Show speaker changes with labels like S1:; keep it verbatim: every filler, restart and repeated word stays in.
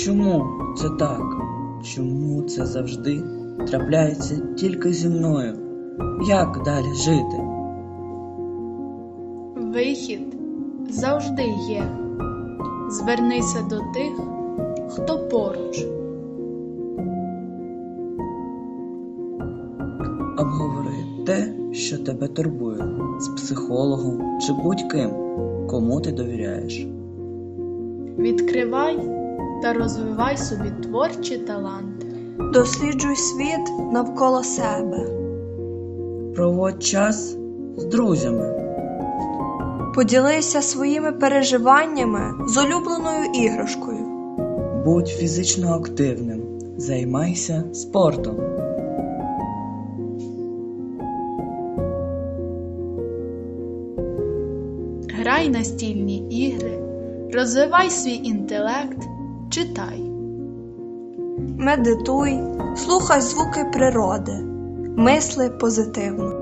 S1: Чому це так? Чому це завжди трапляється тільки зі мною? Як далі жити?
S2: Вихід завжди є. Звернися до тих, хто поруч.
S1: Обговори те, що тебе турбує, з психологом чи будь-ким, кому ти довіряєш.
S2: Відкривай та розвивай собі творчі таланти.
S3: Досліджуй світ навколо себе.
S1: Проводь час з друзями.
S3: Поділися своїми переживаннями з улюбленою іграшкою.
S1: Будь фізично активним. Займайся спортом.
S2: Грай настільні ігри, розвивай свій інтелект, читай.
S3: Медитуй, слухай звуки природи, мисли позитивно.